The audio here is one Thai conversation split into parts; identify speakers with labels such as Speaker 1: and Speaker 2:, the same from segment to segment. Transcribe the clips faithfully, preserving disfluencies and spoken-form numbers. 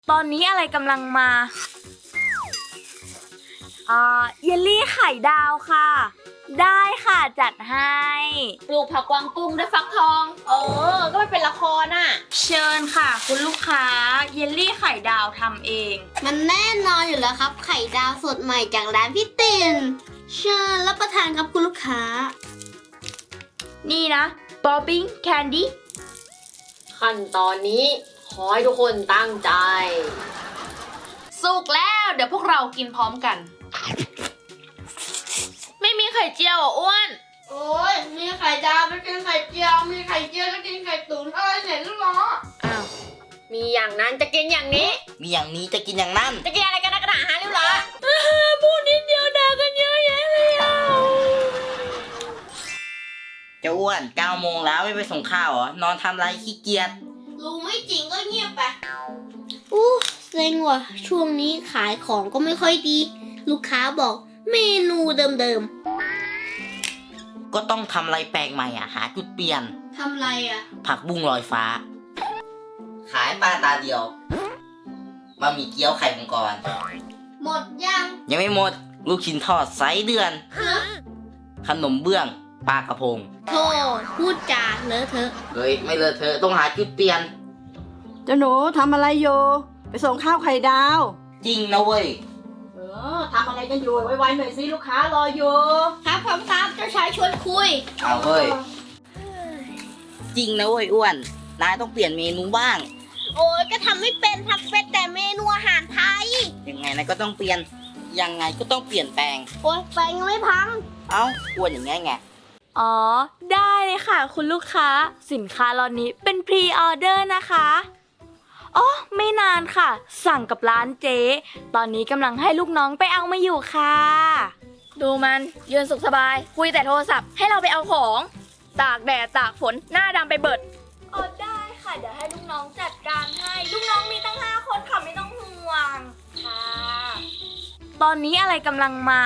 Speaker 1: ตอนนี้อะไรกำลังมาอ่าเยลลี่ไข่ดาวค่ะได้ค่ะจัดให้
Speaker 2: ปลูกผักกวางตุ้งด้วยฟักทองเออก็ไม่เป็นละครน่ะ
Speaker 1: เชิญค่ะคุณลูกค้าเยลลี่ไข่ดาวทำเอง
Speaker 3: มันแน่นอนอยู่แล้วครับไข่ดาวสดใหม่จากร้านพี่ตินเชิญรับประทานครับคุณลูกค้า
Speaker 1: นี่นะบ๊อบบิ้งแคนดี้
Speaker 2: ขั้นตอนนี้ขอให้ทุกคนตั้งใจสุกแล้วเดี๋ยวพวกเรากินพร้อมกันไม่มีไข่เจียวอ่ะอ้วน
Speaker 3: โอ้ยมีไข่ดาวก็กินไข่เจียวมีไข่เจียวก็กินไข่ตุ๋นเอ้ยเนี่ยลูกน้อง
Speaker 2: อ้าวมีอย่างนั้นจะกินอย่างนี้
Speaker 4: มีอย่างนี้จะกินอย่างนั้น
Speaker 2: จะกินอะไรกันนะกระดาษฮะเรียบร้อยพูดนิดเดียวด่ากันเยอะแยะเลยอ่ะ
Speaker 4: เจ้าอ้วนเก้าโมงแล้วไม่ไปส่งข้าวเหรอนอนทำไรขี้เกียจ
Speaker 3: ลุงไม่จริงก็เงียบไปอู้เซ็งว่ะช่วงนี้ขายของก็ไม่ค่อยดีลูกค้าบอกเมนูเดิม
Speaker 4: ๆก็ต้องทำอะไรแปลกใหม่อ่ะหาจุดเปลี่ยน
Speaker 3: ทำอะไรอ่ะ
Speaker 4: ผักบุ้งลอยฟ้าขายปลาตาเดียวมามีเกี๊ยวไข่มังกร
Speaker 3: หมดยัง
Speaker 4: ยังไม่หมดลูกชิ้นทอดไซส์เดือนขนมเบื้องปลากระพง
Speaker 3: โธ่พูดจาเลอะเทอะ
Speaker 4: เฮ้ยไม่เลอะเทอะต้องหาจุดเปลี่ยน
Speaker 5: เจ้าหนูทำอะไรอยู่ไปส่งข้าวไข่ดาว
Speaker 4: จริงนะเว้ย
Speaker 5: เออทำอะไรกันอยู่ไวๆหน่อยสิลูกค้ารออยู่
Speaker 3: ครับครับครับเจ้าชายชวนคุย
Speaker 4: เอาเว้ยจริงนะเว้ยอ้วนนายต้องเปลี่ยนเมนูบ้าง
Speaker 3: โอ้ยก็ทำไม่เป็นทำเป็นแต่เมนูอาหารไทย
Speaker 4: ยังไงนายก็ต้องเปลี่ยนยังไงก็ต้องเปลี่ยนแปลง
Speaker 3: โอ้ยแปลงยังไม่พัง
Speaker 4: เอ้าอ้วนอย่างไงไง
Speaker 1: อ๋อได้เลยค่ะคุณลูกค้าสินค้าล็อตนี้เป็นพรีออเดอร์นะคะอ๋อไม่นานค่ะสั่งกับร้านเจ๊ตอนนี้กำลังให้ลูกน้องไปเอามาอยู่ค่ะดูมันยืนสุขสบายคุยแต่โทรศัพท์ให้เราไปเอาของตากแดดตากฝนหน้าดำไปเบิดอ๋อได้ค่ะเดี๋ยวให้ลูกน้องจัดการให้ลูกน้องมีตั้งห้าคนค่ะไม่ต้องห่วงค่ะตอนนี้อะไรกำลังมา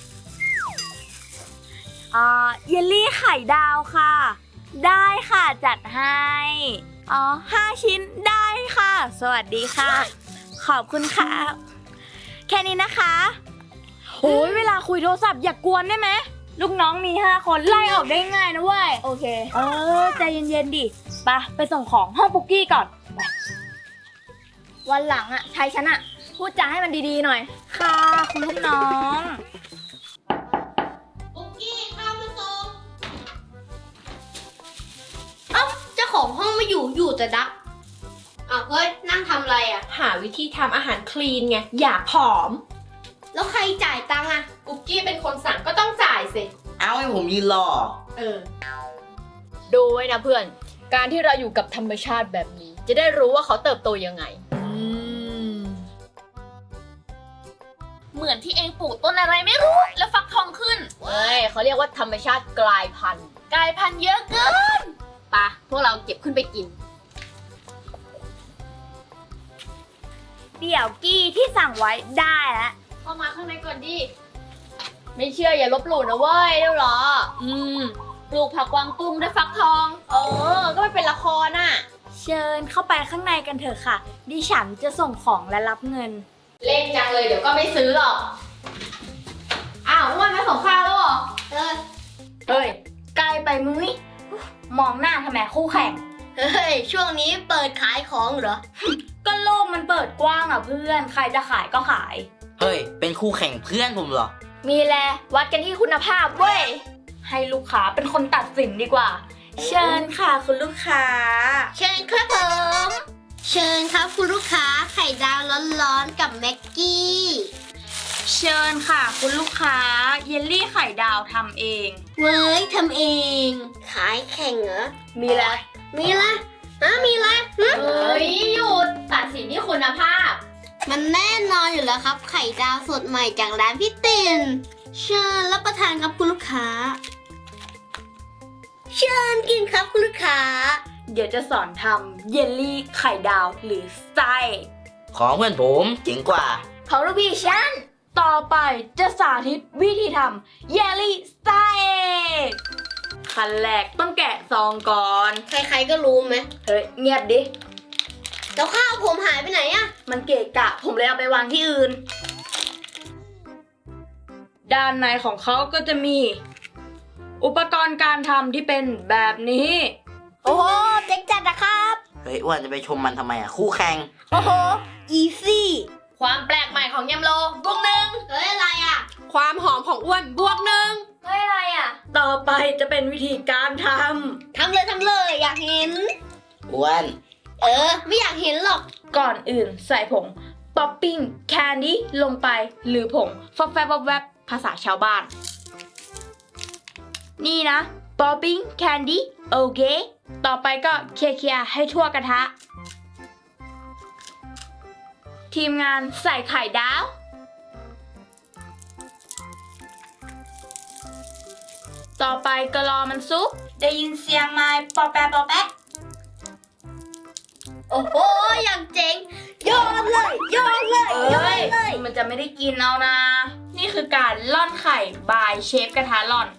Speaker 1: อ่าเยลลี่ไข่ดาวค่ะได้ค่ะจัดให้อ๋อห้าชิ้นได้ค่ะสวัสดีค่ะขอบคุณค่ะแค่นี้นะคะโอ้ยเวลาคุยโทรศัพท์อย่ากวนได้ไหมลูกน้องมีห้าคนไล่ออกได้ง่ายนะเว้ยโอเคเออใจเย็นๆดิไปไปส่งของห้องปุกกี้ก่อนวันหลังอ่ะใช้ฉันอ่ะพูดจาให้มันดีๆหน่อยค่ะคุณลูกน้อง
Speaker 3: ของห้องไม่อยู่อยู่แต่ดักอ้าวเฮ้ยนั่งทำอะไรอ่ะ
Speaker 2: หาวิธีทำอาหารคลีนไงอยากผอม
Speaker 3: แล้วใครจ่ายตังค์อ่ะ
Speaker 2: กุ๊กกี้เป็นคนสั่งก็ต้องจ่ายสิ
Speaker 4: เอาให้ผมยืนรอ
Speaker 2: เออดูไว้นะเพื่อนการที่เราอยู่กับธรรมชาติแบบนี้จะได้รู้ว่าเขาเติบโตยังไงเหมือนที่เองปลูกต้นอะไรไม่รู้แล้วฟักทองขึ้นเฮ้ยเขาเรียกว่าธรรมชาติกลายพันธุ์กลายพันธุ์เยอะเกินปะพวกเราเก็บขึ้นไปกิน
Speaker 1: เดี๋ยวกี้ที่สั่งไว้ได้แล้ว
Speaker 2: เข้ามาข้างในก่อนดิไม่เชื่ออย่าลบหลู่นะเว้ยเดี๋ยวหรออืมปลูกผักกวางตุ้งด้วยฟักทองเออก็ไม่เป็นละครน่ะ
Speaker 1: เชิญเข้าไปข้างในกันเถอะค่ะดิฉันจะส่งของและรับเงิน
Speaker 2: เล่นจังเลยเดี๋ยวก็ไม่ซื้อหรอกอ้าววันมาส่งข้าวแล้วเหรอ
Speaker 3: เออ
Speaker 1: เฮ้ยไกลไปมุ้ยมองหน้าทำไมคู่แข่ง
Speaker 3: เฮ้ยช่วงนี้เปิดขายของเหรอ
Speaker 1: ก็โลกมันเปิดกว้างอ่ะเพื่อนใครจะขายก็ขาย
Speaker 4: เฮ้ยเป็นคู่แข่งเพื่อนผมเหรอ
Speaker 1: มีแลวัดกันที่คุณภาพเว้ยให้ลูกค้าเป็นคนตัดสินดีกว่าเชิญค่ะคุณลูกค้า
Speaker 3: เชิญครับผมเชิญครับคุณลูกค้าไข่ดาวร้อนๆกับแม็กกี้
Speaker 1: เชิญค่ะคุณลูกค้าเยลลี่ไข่ดาวทำเอง
Speaker 3: เว้ยทำเองขายแข่งเหรอ
Speaker 1: มีละ
Speaker 3: มีละฮะมีละ
Speaker 2: เฮ้ยหยุดตัดสินที่คุณภาพ
Speaker 3: มันแน่นอนอยู่แล้วครับไข่ดาวสดใหม่จากร้านพี่ตินเชิญรับประทานครับคุณลูกค้าเชิญกินครับคุณลูกค้า
Speaker 1: เดี๋ยวจะสอนทำเยลลี่ไข่ดาวหรือไส้
Speaker 4: ของเพื่อนผมเจ๋งกว่า
Speaker 1: ของลูกพี่ฉันต่อไปจะสาธิตวิธีทำเยลลี่ไส้ขั้นแรกต้องแกะซองก่อน
Speaker 3: ใครๆก็รู้ไหม
Speaker 1: เฮ้ยเงียบดิ
Speaker 3: แล้วข้าวผมหายไปไหนอะ
Speaker 1: มันเกะกะ ผมเลยเอาไปวางที่อื่น ด้านในของเขาก็จะมี อุปกรณ์การทำที่เป็นแบบนี้
Speaker 3: โอ้โหเจ๊งจัดนะครับ
Speaker 4: เฮ้ยอ้วนจะไปชมมันทำไมอ่ะ คู่แข่ง
Speaker 3: โอ้โหอีซี่
Speaker 2: ความแปลกใหม่ของยำโลบวกหนึ่ง
Speaker 3: เฮ้ยอะไรอะ
Speaker 6: ความหอมของอ้วนบวกหนึ่ง
Speaker 2: เฮ้ยอะไรอ่ะ
Speaker 1: ต่อไปจะเป็นวิธีการท
Speaker 3: ทำเลยทำเลยอยากเห็น
Speaker 4: อ้วน
Speaker 3: เออ ไม่อยากเห็นหรอก
Speaker 1: ำ ก่อนอื่นใส่ผงป๊อปปิ้งแคนดี้ลงไป หรือผงฟอบแฟบแวบภาษาชาวบ้าน นี่นะป๊อปปิ้งแคนดี้โอเค ต่อไปก็เคลียร์ๆให้ทั่วกระทะ ทีมงานใส่ไข่ดาว ต่อไปก็รอมันซุก ได้ยินเสียงไม้ปอแปะปอแปะ
Speaker 3: โอ้โหอย่างเจ๋งโยนเลยโยนเลยโย
Speaker 1: เอ้
Speaker 3: น
Speaker 1: ย
Speaker 3: เลย
Speaker 1: มันจะไม่ได้กินเอานะ นี่คือการล่อนไข่บายเชฟกระทะล่อน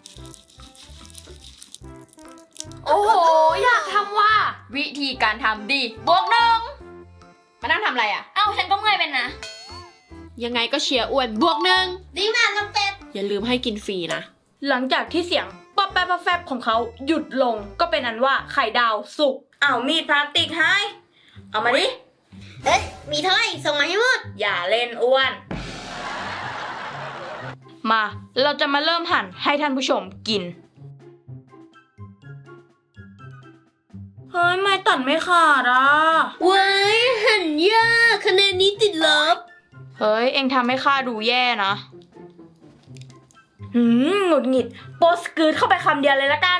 Speaker 2: โอ้โห อยากทำว่า วิธีการทำดี บวกหนึ่ง
Speaker 6: มานั่งทำอะไรอ่ะ
Speaker 2: เอ้าฉันก็เมื่อยเป็นนะ
Speaker 6: ยังไงก็เชียร์อ้วนบวกหนึ่ง
Speaker 3: ดีมากน้ำเป็ด
Speaker 6: อย่าลืมให้กินฟรีนะ
Speaker 1: หลังจากที่เสียงป๊อปแป๊บป๊อปแฟบของเขาหยุดลง ก็เป็นอันว่าไข่ดาวสุกอ้าวมีดพลาสติกให้ เอามาดิ
Speaker 3: เฮ้ย มีเท่าไหร่ส่งมาให้หมด
Speaker 1: อย่าเล่นอ้วน มา เราจะมาเริ่มหั่นให้ท่านผู้ชมกิน เฮ้ย ไม่ตัดไม่ขาดอ่ะ
Speaker 3: เว้ยหันยากคะแนนนี้ติดลบ
Speaker 1: เฮ้ย เอ็งทำให้ข้าดูแย่นะ หืมหงุดหงิด โปสกืดเข้าไปคำเดียวเลยละกัน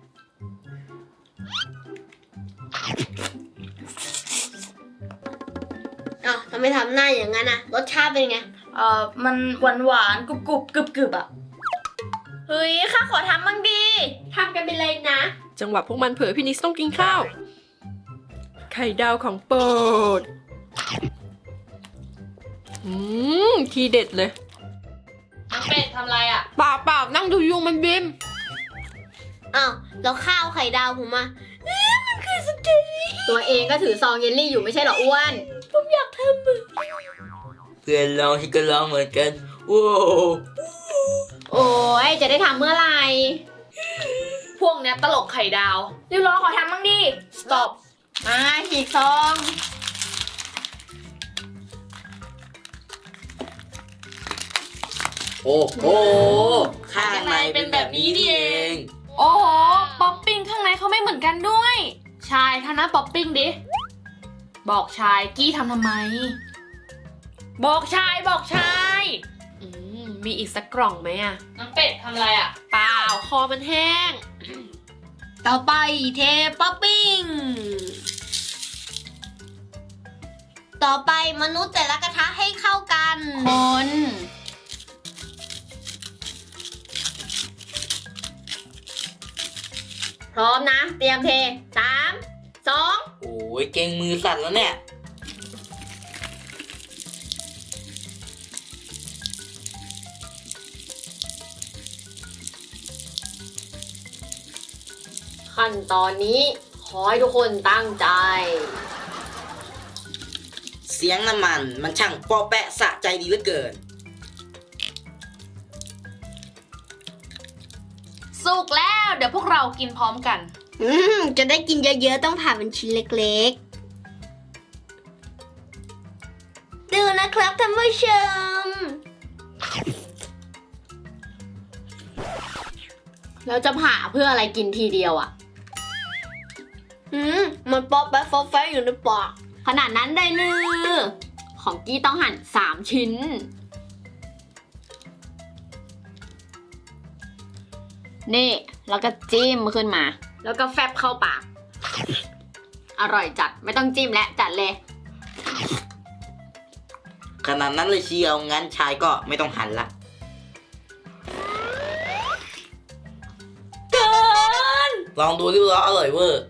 Speaker 3: อ้าวทำไมทำหน้าอย่างนั้นอะรสชาติเป็นไง
Speaker 1: เอ่อ มันหวานหวานกรุบกรุบกรึบกรึบอ่ะ เฮ้ย ข้าขอทำบ้างดี
Speaker 3: ทำกันไปเลยนะ
Speaker 6: จังหวะพวกมันเผลอพี่นิสต้องกินข้าว ไข่ดาวของโปรดอืมทีเด็ดเลย
Speaker 2: น้องเป็ดทำอะไรอ่ะ
Speaker 6: เปล่าเปล่านั่งดูยุงมันบิน
Speaker 3: อ้าวแล้วข้าวไข่ดาวผมอะ
Speaker 2: ตัวเองก็ถือซองเยลลี่อยู่ไม่ใช่เหรออ้วน
Speaker 4: เพื่อนลองที่ก็ลองเหมือนกัน โอ้โห
Speaker 2: โอ้ยจะได้ทำเมื่อไหร่ พวกเนี้ยตลกไข่ดาว
Speaker 1: ริวรอขอทำบ้างดิ
Speaker 2: stop มาฉีกซอง
Speaker 4: โอ้โห ข้างในเป็นแบบนี้นี่เอง
Speaker 2: โอ้โห ป๊อปปิ้งข้างในเขาไม่เหมือนกันด้วย ชายทำหน้าป๊อปปิ้งดิ บอกชายกี้ทำทำไม บอกชายบอกชาย
Speaker 6: อืมมีอีกสักกล่องไหมอะ
Speaker 2: น้องเป็ดทำอะไรอ่ะ
Speaker 6: เปล่าคอมันแห้ง
Speaker 3: ต่อไปเทป๊อปปิ้ง ต่อไปมนุษย์แต่ละกระทะให้เข้ากัน
Speaker 2: คน พร้อมนะ เตรียมเทสามสอง
Speaker 4: โอ้ยเก่งมือสั่นแล้วเนี่ย
Speaker 2: ขั้นตอนนี้ขอให้ทุกคนตั้งใจ
Speaker 4: เสียงน้ำมันมันช่างปอแปะสะใจดีเหลือเกิน
Speaker 2: สุกแล้วเดี๋ยวพวกเรากินพร้อมกัน
Speaker 3: อืมจะได้กินเยอะๆ ต้องผ่าเป็นชิ้นเล็กๆ ดูนะครับท่านผู้ชม
Speaker 2: แล้วจะผ่าเพื่ออะไรกินทีเดียวอ่ะ
Speaker 3: อืม มันป๊อปแป๊บฟอแฟอยู่ในปาก
Speaker 2: ขนาดนั้นได้เนือของกี้ต้องหั่นสามชิ้น นี่แล้วก็จิ้มขึ้นมา แล้วก็แฟบเข้าปาก อร่อยจัดไม่ต้องจิ้มและจัดเลย
Speaker 4: ขนาดนั้นเลยเชียว งั้นชายก็ไม่ต้องหันละ
Speaker 1: เกิน
Speaker 4: ลองดูริ้วล้ออร่อยเวอร์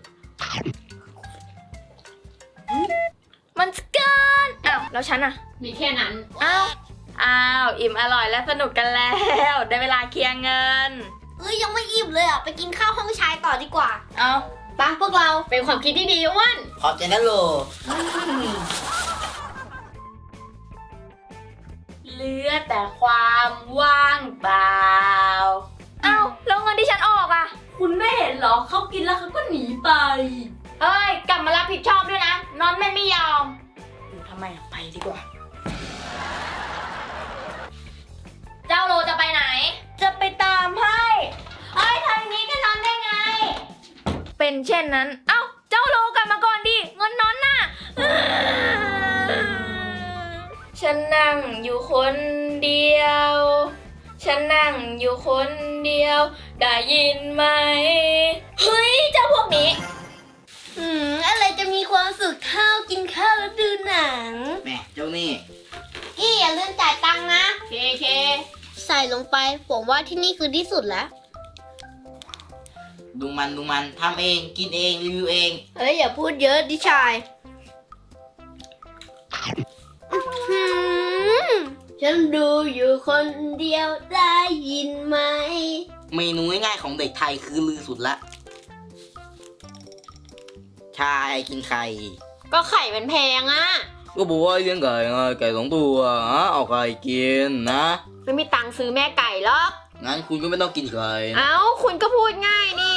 Speaker 1: มันจะเกิน อ้าว แล้วฉันอ่ะ
Speaker 2: มีแค่นั้น
Speaker 1: อ้าว อ้าว อิ่มอร่อยและสนุกกันแล้ว ได้เวลาเคลียร์เงิน
Speaker 3: เอ้ยยังไม่อิ่มเลยอ่ะ ไปกินข้าวห้องชายต่อดีกว่า
Speaker 1: เอาไป
Speaker 2: ปะพวกเราเป็นความคิดที่ดีอ้วน
Speaker 4: ขอบใจนะโล
Speaker 1: เหลือแต่ความว่างเปล่าเอ้าแล้วเงินที่ฉันออกอ่ะ คุณไม่เห็นเหรอเขากินแล้วเขาก็หนีไปเอ้ยกลับมารับผิดชอบด้วยนะนอนแม่ไม่ยอมอยู่ทำไมอะไปดีกว่า เจ้าโลจะไปไหน จะไปตามให้เอ้ยทางนี้ก็นอนได้ไง เป็นเช่นนั้นเอ้าเจ้าโลกลับมาก่อนดิเงินนอนน่ะ ฉันนั่งอยู่คนเดียว ฉันนั่งอยู่คนเดียว ได้ยินไหม เฮ้ยเจ้าพวกนี้
Speaker 3: อืมอะไรจะมีความสุขเท่ากินข้าวแล้วดูหนัง
Speaker 4: แม่เจ้านี่
Speaker 3: กี้อย่าลืมจ่ายตังค์นะ
Speaker 2: เคเค
Speaker 3: ใส่ลงไปผมว่าที่นี่คือที่สุดแล้ว
Speaker 4: ดูมันดูมันทำเองกินเองรีวิวเอง
Speaker 3: เฮ้ยอย่าพูดเยอะดิชายหืมฉันดูอยู่คนเดียวได้ยินไหม
Speaker 4: เมนูง่ายๆของเด็กไทยคือลือสุดละ ชายกินไข่
Speaker 2: ก็ไข่มันแพงอะ
Speaker 4: ก็บอกว่าเลี้ยงไก่ไงไก่สองตัวอ่ะเอาไข่กินนะ
Speaker 2: ไม่มีตังค์ซื้อแม่ไก่หรอก
Speaker 4: งั้นคุณก็ไม่ต้องกินไข่
Speaker 2: เอ้าคุณก็พูดง่ายนี่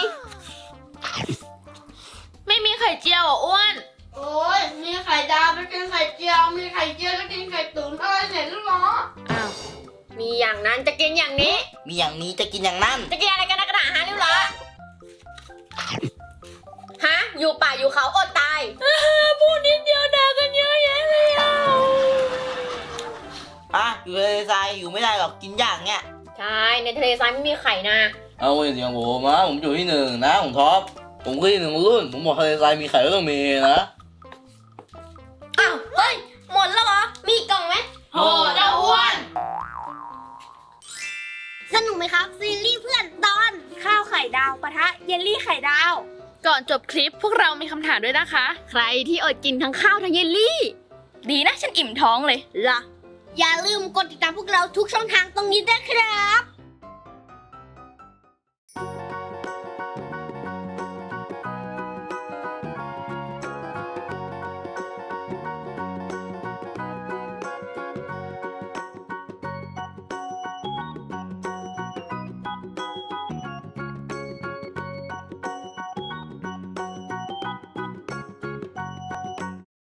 Speaker 1: ไม่มีไข่เจียวอ่ะอ้วน
Speaker 3: โอ้ยมีไข่ดาวไปกินไข่เจียวมีไข่เจียวแล้วกินไข่ตุ๋นอะไรเนี่ยลูกน้อง
Speaker 2: อ้าว มีอย่างนั้นจะกินอย่างนี้
Speaker 4: มีอย่างนี้จะกินอย่างนั้น
Speaker 2: จะกินอะไรกันนักหนาฮะริ้วเหรอฮะ อยู่ป่าอยู่เขาอดตาย
Speaker 1: พูดนิดเดียวด่ากันเยอะแยะเลยอ่ะ
Speaker 4: อ่ะอยู่ทะเลทรายอยู่ไม่ได้หรอกกินยากเงี้ย
Speaker 2: ใช่ ในทะเลทรายไม่มีไข่นะ
Speaker 4: เอาเสียงผมนะผมอยู่ที่หนึ่งนะผมท็อปผมคือที่หนึ่งรุ่นผมบอกทะเลทรายมีไข่ก็ต้องมีนะ
Speaker 3: อ้าวเฮ้ยหมดแล้วเหรอมีอีกกล่องไหม
Speaker 4: โอ้เจ้าอ้วน
Speaker 3: สนุกไหมครับซีรีส์เพื่อนตอน
Speaker 1: ข้าวไข่ดาวปะทะเยลลี่ไข่ดาว
Speaker 6: ก่อนจบคลิปพวกเรามีคำถามด้วยนะคะ
Speaker 2: ใครที่อดกินทั้งข้าวทั้งเยลลี่
Speaker 1: ดีนะฉันอิ่มท้องเลย
Speaker 3: ล่ะอย่าลืมกดติดตามพวกเราทุกช่องทางตรงนี้ด้วยครับ